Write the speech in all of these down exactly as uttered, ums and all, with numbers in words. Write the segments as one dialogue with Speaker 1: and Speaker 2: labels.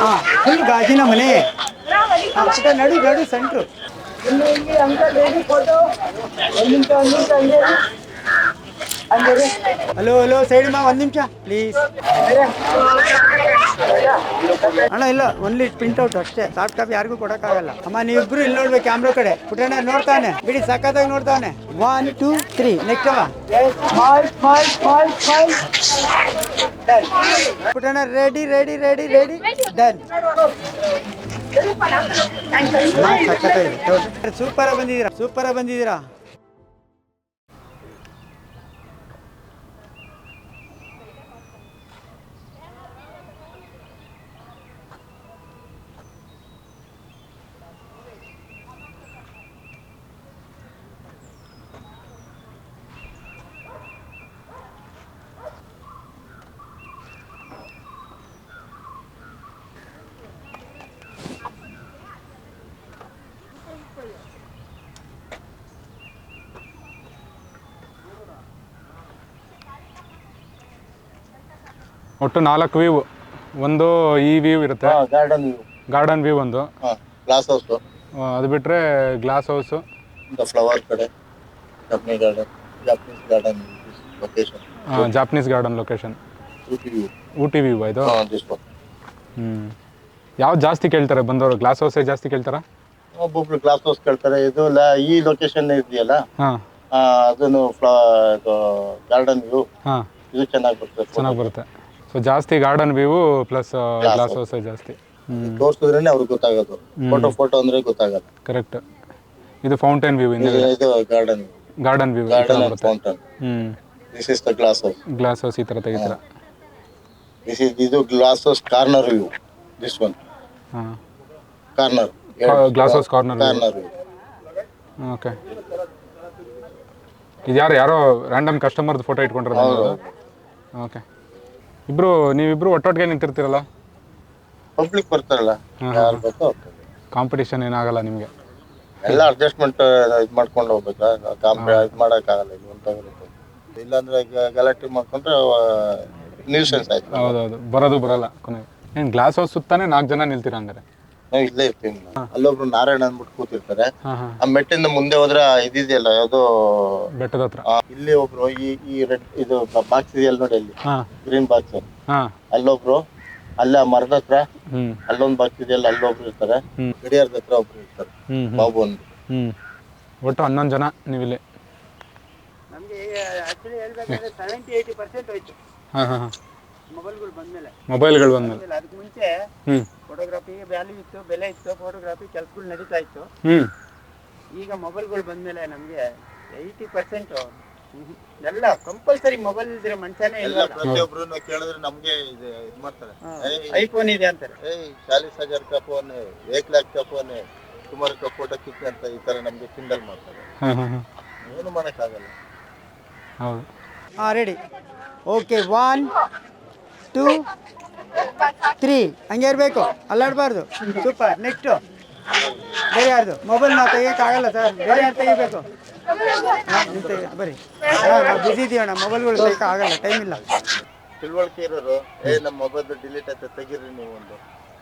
Speaker 1: ಹಾಂ ಫುಲ್ ಗಾಜಿನ ಮನೆ. ಹಾಂ ಪುಟ ನಡು ನಡು ಸೆಂಟ್ರು. ಇಲ್ಲಿ ಇಲ್ಲಿ ಅಂಕಲ್ ರೆಡಿ ಫೋಟೋ. ಒಂದು ನಿಮಿಷ ಒಂದು ನಿಮಿಷ ಹಂಗೆ ಹಂಗೆ. ಹಲೋ ಹಲೋ ಸೈಡ್ ಮಾ ಒಂದು ನಿಮಿಷ ಪ್ಲೀಸ್. ಅಣ್ಣ ಇಲ್ಲ ಓನ್ಲಿ ಪ್ರಿಂಟ್ ಔಟ್ ಅಷ್ಟೇ, ಸಾಫ್ಟ್ ಕಾಪಿ ಯಾರಿಗೂ ಕೊಡೋಕ್ಕಾಗಲ್ಲ. ಅಮ್ಮ ನೀವಿಬ್ರು ಇಲ್ಲಿ ನೋಡ್ಬೇಕು ಕ್ಯಾಮ್ರಾ ಕಡೆ. ಪುಟಣ್ಣ ನೋಡ್ತಾನೆ ಬಿಡಿ, ಸಖತ್ತಾಗಿ ನೋಡ್ತಾನೆ. ಒನ್ ಟೂ ತ್ರೀ ನೆಕ್ಸ್ಟ್ ಅಮ್ಮ. Smile smile smile smile. Done. Putanna ready ready ready ready done. Super ಬಂದಿದ್ದೀರಾ, ಸೂಪರ್ ಬಂದಿದ್ದೀರಾ.
Speaker 2: ಒಟ್ಟು ನಾಲ್ಕು ವ್ಯೂ. ಒಂದು ಈ ವ್ಯೂ ಇರುತ್ತೆ,
Speaker 3: ಗಾರ್ಡನ್ ವ್ಯೂ,
Speaker 2: ಗಾರ್ಡನ್ ವ್ಯೂ ಒಂದು,
Speaker 3: ಗ್ಲಾಸ್ ಹೌಸ್,
Speaker 2: ಅದು ಬಿಟ್ಟರೆ ಗ್ಲಾಸ್ ಹೌಸು,
Speaker 3: ಫ್ಲವರ್ ಕಡೆ, Japanese garden, Japanese garden location,
Speaker 2: Japanese garden location,
Speaker 3: Ooty view,
Speaker 2: Ooty view ಇದು. ಹ್ಞೂ ಯಾವ್ದು ಜಾಸ್ತಿ ಕೇಳ್ತಾರೆ ಬಂದವರು? ಗ್ಲಾಸ್ ಹೌಸೇ ಜಾಸ್ತಿ ಕೇಳ್ತಾರಾ?
Speaker 3: ಒಬ್ಬೊಬ್ರು ಗ್ಲಾಸ್ ಹೌಸ್ ಕೇಳ್ತಾರೆ. ಇದು ಈ ಲೊಕೇಶನ್ ಇದೆಯಲ್ಲ,
Speaker 2: ಹಾಂ
Speaker 3: ಅದನ್ನು ಗಾರ್ಡನ್ ವ್ಯೂ,
Speaker 2: ಹಾಂ
Speaker 3: ಇದು ಚೆನ್ನಾಗಿ ಬರ್ತದೆ,
Speaker 2: ಚೆನ್ನಾಗಿ ಬರುತ್ತೆ. ಸೊ ಜಾಸ್ತಿ ಗಾರ್ಡನ್ ವ್ಯೂ ಪ್ಲಸ್ ಗ್ಲಾಸ್ ಹೌಸೇ ಜಾಸ್ತಿ.
Speaker 3: ತೋರಿಸಿದ್ರೆ ಅವ್ರಿಗೆ ಗೊತ್ತಾಗೋದು. ಫೋಟೋ ಫೋಟೋ ಅಂದ್ರೆ ಗೊತ್ತಾಗಲ್ಲ.
Speaker 2: ಕರೆಕ್ಟ್. ಇದು ಫೌಂಟೇನ್ ವ್ಯೂ,
Speaker 3: ಇದು garden
Speaker 2: garden view,
Speaker 3: garden fountain.
Speaker 2: Hmm
Speaker 3: this is the glass house.
Speaker 2: Glass house ಈ ತರ ತೆಗಿತೀರಾ?
Speaker 3: ದಿಸ್ ಇಸ್ ಇದು glass house corner view. This one
Speaker 2: ಹಾ
Speaker 3: corner,
Speaker 2: glass house corner
Speaker 3: corner view.
Speaker 2: Okay. ಇದು ಯಾರು ಯಾರೋ ರ್ಯಾಂಡಮ್ ಕಸ್ಟಮರ್ದು ಫೋಟೋ ಇಟ್ಕೊಂಡಿರೋದು? ಓಕೆ. ಇಬ್ರು ನೀವಿಬ್ರು ಒಟ್ಟೊಟ್ಟಿಗೆ ನಿಂತಿರ್ತೀರಲ್ಲ?
Speaker 3: ಪಬ್ಲಿಕ್ ಬರ್ತಾರಲ್ಲ, ಯಾರು ಬೇಕೋ
Speaker 2: ಕಾಂಪಿಟೇಷನ್ ಏನಾಗಲ್ಲ ನಿಮಗೆ?
Speaker 3: ಎಲ್ಲ ಅಡ್ಜಸ್ಟ್ಮೆಂಟ್ ಇದು ಮಾಡ್ಕೊಂಡು ಹೋಗ್ಬೇಕಾ? ಕಾಂಪಿ ಇದು ಮಾಡೋಕ್ಕಾಗಲ್ಲ. ಇದು ಅಂತ ಇಲ್ಲಾಂದ್ರೆ ಗಲಾಟೆ ಮಾಡ್ಕೊಂಡ್ರೆ ನ್ಯೂಸೆನ್ಸ್ ಆಯ್ತು.
Speaker 2: ಹೌದೌದು, ಬರೋದು ಬರಲ್ಲ ಕೊನೆಗೆ. ಏನು ಗ್ಲಾಸ್ ಹೌಸ್ ಸುತ್ತಾನೆ ನಾಲ್ಕು ಜನ ನಿಲ್ತೀರಾ ಹಂಗಾರೆ?
Speaker 3: ನಾವು ಇಲ್ಲೇ ಇರ್ತೀವಿ. ಅಲ್ಲೊಬ್ರು ನಾರಾಯಣ ಅಂದ್ಬಿಟ್ಟು ಕೂತಿರ್ತಾರೆ. ಆ ಮೆಟ್ಟಿಂದ ಮುಂದೆ ಹೋದ್ರೆ ಇದಿದೆಯಲ್ಲ ಯಾವ್ದು
Speaker 2: ಬೆಟ್ಟದ ಹತ್ರ,
Speaker 3: ಇಲ್ಲಿ ಒಬ್ರು ಈ ಈ ರೆಡ್ ಇದು ಬಾಕ್ಸ್ ಇದೆಯಲ್ಲ ನೋಡಿ, ಅಲ್ಲಿ ಗ್ರೀನ್ ಬಾಕ್ಸ್, ಅಲ್ಲೊಬ್ರು, ಅಲ್ಲೇ ಆ ಮರದ ಹತ್ರ ಅಲ್ಲೊಂದು ಬಾಕ್ಸ್ ಇದೆಯಲ್ಲ, ಅಲ್ಲೊಬ್ರು ಇರ್ತಾರೆ. ಗಡಿಯಾರದ ಹತ್ರ ಒಬ್ರು ಇರ್ತಾರೆ, ಬಾಬು ಒಂದು.
Speaker 2: ಹ್ಮ್ ಒಟ್ಟು ಹನ್ನೊಂದು ಜನ ನೀವಿಲ್ಲಿ.
Speaker 1: ನಮಗೆ ಆಕ್ಚುಲಿ ಹೇಳ್ಬೇಕಂದ್ರೆ ಸೆವೆಂಟಿ ಏಯ್ಟಿ ಪರ್ಸೆಂಟ್ ಹೋಯ್ತು
Speaker 2: ಹಾಂ ಹಾಂ
Speaker 1: ಮೊಬೈಲ್ಗಳು ಬಂದ್ಮೇಲೆ.
Speaker 2: ಮೊಬೈಲ್ಗಳು ಬಂದ್ಮೇಲೆ
Speaker 1: ಅದಕ್ಕೆ ಮುಂಚೆ
Speaker 2: ಹ್ಞೂ
Speaker 1: ಫೋಟೋಗ್ರಫಿಗೆ ವ್ಯಾಲ್ಯೂ ಇತ್ತು, ಬೆಲೆ ಇತ್ತು, ಫೋಟೋಗ್ರಫಿ ಕೆಲಸಗಳು ನಡೀತಾ ಇತ್ತು.
Speaker 2: ಹ್ಞೂ
Speaker 1: ಈಗ ಮೊಬೈಲ್ಗಳು ಬಂದ್ಮೇಲೆ ನಮಗೆ ಏಯ್ಟಿ ಪರ್ಸೆಂಟು ಎಲ್ಲ ಕಂಪಲ್ಸರಿ ಮೊಬೈಲ್ ಇದ್ರೆ ಮನುಷ್ಯನೇ ಇಲ್ಲ.
Speaker 3: ಪ್ರತಿಯೊಬ್ರು ಕೇಳಿದ್ರೆ ನಮ್ಗೆ ಇದು ಇದು ಮಾಡ್ತಾರೆ,
Speaker 1: ಐಫೋನ್ ಇದೆ ಅಂತಾರೆ.
Speaker 3: ಏಯ್ ಚಾಲೀಸ್ ಹಜಾರ್ ಕಾ ಫೋನ್, ಏಕ್ ಲಾಖ್ ಕಾ ಫೋನ್, ಸುಮಾರು ಕಾ ಫೋಟೋ ಕಿಕ್ ಅಂತ ಈ ತರ ನಮ್ಗೆ ಕಿಂಡಲ್ ಮಾಡ್ತಾರೆ.
Speaker 2: ಹಾಂ ಹಾಂ ಹಾಂ
Speaker 3: ಏನು ಮಾಡೋಕ್ಕಾಗಲ್ಲ.
Speaker 2: ಹೌದು.
Speaker 1: ಹಾಂ ready. Okay, one two three ಹಂಗೆ ಇರಬೇಕು, ಅಲ್ಲಾಡಬಾರ್ದು. ಸೂಪರ್. ನೆಕ್ಸ್ಟು ಬೇರೆ ಯಾರ್ದು ಮೊಬೈಲ್ ನಾವು ತೆಗಿಯೋಕ್ಕಾಗಲ್ಲ ಸರ್, ಬೇರೆ ಯಾರು ತೆಗಿಬೇಕು? ನಿಮ್ಮ ತೆಗಿ ಬರೀ. ಹಾಂ ನಾವು ಬಿಸಿ ಇದೀವಣ್ಣ, ಮೊಬೈಲ್ಗಳು ತೆಗಿಯೋಕ್ಕಾಗಲ್ಲ, ಟೈಮ್ ಇಲ್ಲ.
Speaker 3: ತಿಳುವಳಿಕೆ ಇರೋರು ಏ ನಮ್ಮ ಮೊಬೈಲ್ ಡಿಲೀಟ್ ಆಯ್ತು ತೆಗೀರಿ ನೀವು ಒಂದು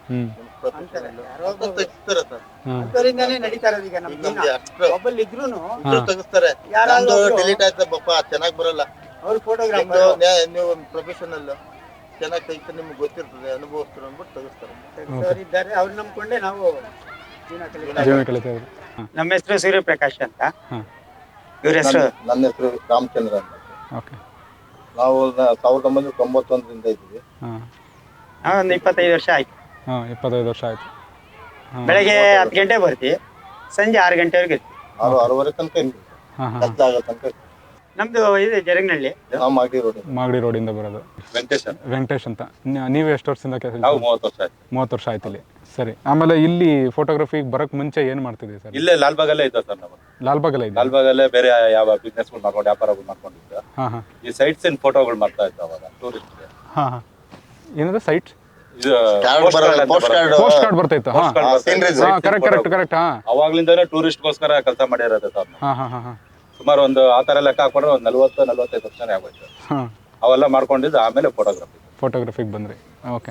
Speaker 3: ತೆಗಿಸ್ತಾರೆ ಸರ್.
Speaker 1: ಅದರಿಂದಾನೇ ನಡೀತಾ ಇರೋದು ಈಗ ನಮ್ಮ ಮೊಬೈಲ್ ಇದ್ರೂ
Speaker 3: ತೆಗಿಸ್ತಾರೆ. ಯಾರು ಡಿಲೀಟ್ ಆಯ್ತು ಬಪ್ಪ ಚೆನ್ನಾಗಿ ಬರಲ್ಲ,
Speaker 1: ಅವ್ರು ಫೋಟೋಗ್ರಾಫರ್,
Speaker 3: ನೀವು ಪ್ರೊಫೆಷನಲ್ ಚೆನ್ನಾಗಿ ತೆಗಿತಾರೆ, ನಿಮ್ಗೆ ಗೊತ್ತಿರ್ತದೆ, ಅನುಭವಿಸ್ತಾರೆ ಅಂದ್ಬಿಟ್ಟು ತೆಗಿಸ್ತಾರೆ.
Speaker 1: ಇದ್ದಾರೆ, ಅವ್ರು ನಂಬ್ಕೊಂಡೆ ನಾವು
Speaker 2: ಜೀವನ ಕಲಿತಾ ಇದ್ದೀವಿ.
Speaker 1: ನಮ್ಮ ಹೆಸರು ಸೂರ್ಯಪ್ರಕಾಶ್ ಅಂತ. ಇವ್ರ ಹೆಸರು?
Speaker 3: ನನ್ನ ಹೆಸರು ರಾಮಚಂದ್ರ ಅಂತ.
Speaker 2: ಓಕೆ.
Speaker 3: ನಾವು ಸಾವಿರದ ಒಂಬೈನೂರ ತೊಂಬತ್ತೊಂದರಿಂದ ಇದ್ದೀವಿ.
Speaker 1: ಹಾಂ ಒಂದು ಇಪ್ಪತ್ತೈದು ವರ್ಷ ಆಯ್ತು.
Speaker 2: ಹಾಂ ಇಪ್ಪತ್ತೈದು ವರ್ಷ ಆಯ್ತು.
Speaker 1: ಬೆಳಗ್ಗೆ ಹತ್ತು ಗಂಟೆ ಬರ್ತೀವಿ, ಸಂಜೆ ಆರು ಗಂಟೆವರೆಗೆ ಇರ್ತೀವಿ.
Speaker 3: ಆರು ಆರೂವರೆ ತನಕ ಇರ್ತೀವಿ, ಕತ್ಲಾಗೋ ತನಕ.
Speaker 1: ನಮ್ದು ಇದೆ ಜರಗ್ನಳ್ಳಿ,
Speaker 3: ಮಾಗಡಿ ರೋಡ್.
Speaker 2: ಮಾಗಡಿ ರೋಡಿಂದ ಬರೋದು.
Speaker 3: ವೆಂಕಟೇಶ್
Speaker 2: ವೆಂಕಟೇಶ್ ಅಂತ. ನೀವು ಎಷ್ಟು ವರ್ಷದಿಂದ ಕೆಲಸ?
Speaker 3: ನಾವು ಮೂವತ್ತು ವರ್ಷ ಆಯ್ತು.
Speaker 2: ಮೂವತ್ತು ವರ್ಷ ಆಯ್ತು ಇಲ್ಲಿ. ಸರಿ. ಆಮೇಲೆ ಇಲ್ಲಿ ಫೋಟೋಗ್ರಫಿಗೆ ಬರೋಕ್ಕೆ ಮುಂಚೆ ಏನು ಮಾಡ್ತಿದ್ದೀವಿ ಸರ್?
Speaker 3: ಇಲ್ಲೇ ಲಾಲ್ಬಾಗಲ್ಲೇ ಇದ್ದ ಸರ್ ನಾವು.
Speaker 2: ಲಾಲ್ಬಾಗಲ್ಲೇ ಇದೆ.
Speaker 3: ಲಾಲ್ಬಾಗಲ್ಲೇ ಬೇರೆ ಯಾವ ಬಿಸ್ನೆಸ್ಗಳು ಮಾಡ್ಕೊಂಡು ವ್ಯಾಪಾರಗಳು ಮಾಡ್ಕೊಂಡಿದ್ದ.
Speaker 2: ಹಾಂ ಹಾಂ
Speaker 3: ಈ ಸೈಟ್ಸ್ ಇನ್ ಫೋಟೋಗಳು ಮಾಡ್ತಾ ಇದ್ದ ಅವಾಗ ಟೂರಿಸ್ಟ್.
Speaker 2: ಹಾಂ ಹಾಂ ಏನದು ಸೈಟ್?
Speaker 3: ಇದು ಪೋಸ್ಟ್
Speaker 2: ಕಾರ್ಡ್ ಬರ್ತಾ ಇತ್ತು. ಹಾಂ ಕರೆಕ್ಟ್ ಕರೆಕ್ಟ್ ಕರೆಕ್ಟ್. ಹಾಂ
Speaker 3: ಅವಾಗ್ಲಿಂದಾನೇ ಟೂರಿಸ್ಟ್ಗೋಸ್ಕರ ಕೆಲಸ ಮಾಡಿರೋದು ಸರ್.
Speaker 2: ಹಾಂ ಹಾಂ ಹಾಂ ಹಾಂ
Speaker 3: ಸುಮಾರು ಒಂದು ಆ ಥರ ಲೆಕ್ಕ ಹಾಕೊಂಡ್ರೆ ಒಂದು ನಲ್ವತ್ತು ನಲ್ವತ್ತೈದು ವರ್ಷನೇ ಆಗೋಯ್ತು.
Speaker 2: ಹಾಂ
Speaker 3: ಅವೆಲ್ಲ ಮಾಡ್ಕೊಂಡಿದ್ದು ಆಮೇಲೆ ಫೋಟೋಗ್ರಫಿ
Speaker 2: ಫೋಟೋಗ್ರಫಿಗೆ ಬಂದ್ರಿ. ಓಕೆ.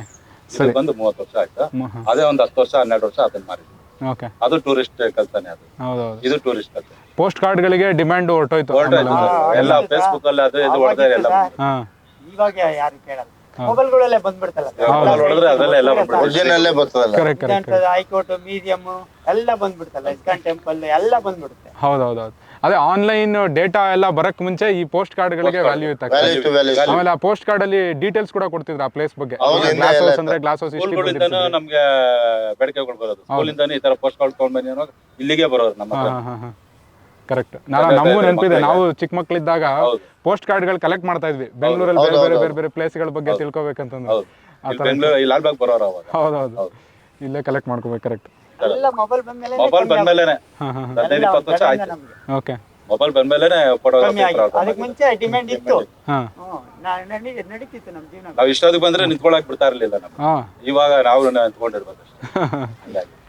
Speaker 4: ಇದು ಬಂದು ಮೂವತ್ತು ವರ್ಷ ಆಯ್ತು. ಅದೇ ಒಂದು ಹತ್ತು ವರ್ಷ ಹನ್ನೆರಡು ವರ್ಷ ಅದನ್ನ ಮಾರಿದ್ವಿ.
Speaker 2: ಓಕೆ,
Speaker 4: ಅದು ಟೂರಿಸ್ಟ್ ಕಲ್ತಾನೆ ಅದು.
Speaker 2: ಹೌದೌದು.
Speaker 4: ಇದು ಟೂರಿಸ್ಟ್ ಕಲ್ತಾನೆ.
Speaker 2: ಪೋಸ್ಟ್ ಕಾರ್ಡ್ಗಳಿಗೆ ಡಿಮ್ಯಾಂಡ್ ಹೊರಟೋಯ್ತು.
Speaker 4: ಎಲ್ಲ ಫೇಸ್ಬುಕ್ ಅಲ್ಲಿ ಅದು ಇದು ಹೊಡೆದ್ರೆ ಎಲ್ಲ
Speaker 2: ಹಾಂ,
Speaker 1: ಇವಾಗ ಯಾರು ಕೇಳಲ್ಲ, ಮೊಬೈಲ್ಗಳಲ್ಲೇ ಬಂದ್ಬಿಡ್ತಲ್ಲ
Speaker 4: ಹೊಡೆದ್ರೆ ಅದ್ರಲ್ಲ ಎಲ್ಲ ಬಂದ್ಬಿಡುತ್ತೆ.
Speaker 3: ಒರಿಜಿನಲ್ಲೇ ಬರ್ತದಲ್ಲ.
Speaker 2: Correct correct.
Speaker 1: ಹೈಕೋರ್ಟ್, ಮ್ಯೂಸಿಯಂ ಎಲ್ಲ ಬಂದ್ಬಿಡ್ತಲ್ಲ, ಇಸ್ಕಾನ್ ಟೆಂಪಲ್ ಎಲ್ಲ ಬಂದ್ಬಿಡುತ್ತೆ.
Speaker 2: ಹೌದೌದೌದು. ಅದೇ ಆನ್ಲೈನ್ ಡೇಟಾ ಎಲ್ಲ ಬರಕ್ ಮುಂಚೆ ಈ ಪೋಸ್ಟ್ ಕಾರ್ಡ್ಗಳಿಗೆ ವ್ಯಾಲ್ಯೂ ಇತ್ತು.
Speaker 3: Value to value.
Speaker 2: ಆಮೇಲೆ ಆ ಪೋಸ್ಟ್ ಕಾರ್ಡ್ ಅಲ್ಲಿ ಡೀಟೇಲ್ಸ್ ಕೂಡ ಕೊಡ್ತಿದ್ರು ಆ ಪ್ಲೇಸ್ ಬಗ್ಗೆ.
Speaker 3: ಹೌದು, ಹಿಂದೆ
Speaker 2: ಗ್ಲಾಸ್
Speaker 3: ಎಲ್ಲ
Speaker 2: ಹೌಸ್ ಅಂದ್ರೆ ಗ್ಲಾಸ್ ಹೌಸ್ ಇಷ್ಟು
Speaker 4: ಸ್ಕೂಲ್ಗಳಿಂದನೂ ನಮ್ಗೆ ಬೇಡಿಕೆಗಳು ಬರೋದು. ಸ್ಕೂಲಿಂದಾನು ಈ ತರ ಪೋಸ್ಟ್ ಕಾರ್ಡ್ ತಗೊಂಡ್ ಬನ್ನಿ ಅನ್ನೋ ಇಲ್ಲಿಗೆ ಬರೋರು ನಮ್ಮ ಹತ್ರ.
Speaker 2: ಹಾಂ ಹಾಂ ಹಾಂ, ಕರೆಕ್ಟ್. ನಾನು ನಮಗೂ ನೆನಪಿದೆ, ನಾವು ಚಿಕ್ಕ ಮಕ್ಕಳಿದ್ದಾಗ ಪೋಸ್ಟ್ ಕಾರ್ಡ್ಗಳು ಕಲೆಕ್ಟ್ ಮಾಡ್ತಾ ಇದ್ವಿ ಬೆಂಗಳೂರಲ್ಲಿ. ಬೇರೆ ಬೇರೆ ಬೇರೆ ಬೇರೆ ಪ್ಲೇಸ್ಗಳ ಬಗ್ಗೆ ತಿಳ್ಕೊಬೇಕಂತಂದ್ರೆ
Speaker 4: ಇಲ್ಲಿ ಬೆಂಗಳೂರು ಈ ಲಾಲ್ಬಾಗ್ ಬರೋರು ಅವಾಗ.
Speaker 2: ಹೌದೌದು, ಇಲ್ಲೇ ಕಲೆಕ್ಟ್ ಮಾಡ್ಕೋಬೇಕು. ಕರೆಕ್ಟ್.
Speaker 1: ಎಲ್ಲ ಮೊಬೈಲ್ ಬಂದ್ಮೇಲೆ
Speaker 4: ಮೊಬೈಲ್ ಬಂದ್ಮೇಲೆನೆ
Speaker 2: ಹಾಂ ಹಾಂ,
Speaker 4: ಹದಿನೈದು ಇಪ್ಪತ್ತು ವರ್ಷ ಆಯ್ತು.
Speaker 2: ಓಕೆ.
Speaker 4: ಮೊಬೈಲ್ ಬಂದ್ಮೇಲೆನೆ ಫೋಟೋಗ್ರಾಫಿ.
Speaker 1: ಅದಕ್ಕೆ ಮುಂಚೆ ಡಿಮ್ಯಾಂಡ್ ಇತ್ತು.
Speaker 2: ಹಾಂ
Speaker 1: ನಡೀತಿತ್ತು ನಮ್ಮ ಜೀವನ.
Speaker 4: ನಾವು ಇಷ್ಟೊತ್ತಿಗೆ ಬಂದ್ರೆ ನಿಂತ್ಕೊಳಕ್ ಬಿಡ್ತಾ ಇರ್ಲಿಲ್ಲ ನಮ್ಗೆ.
Speaker 2: ಹಾಂ
Speaker 4: ಇವಾಗ ನಾವು ನಿಂತ್ಕೊಂಡಿರ್ಬೇಕು ಅಷ್ಟೇ. ಹಂಗಾಗಿ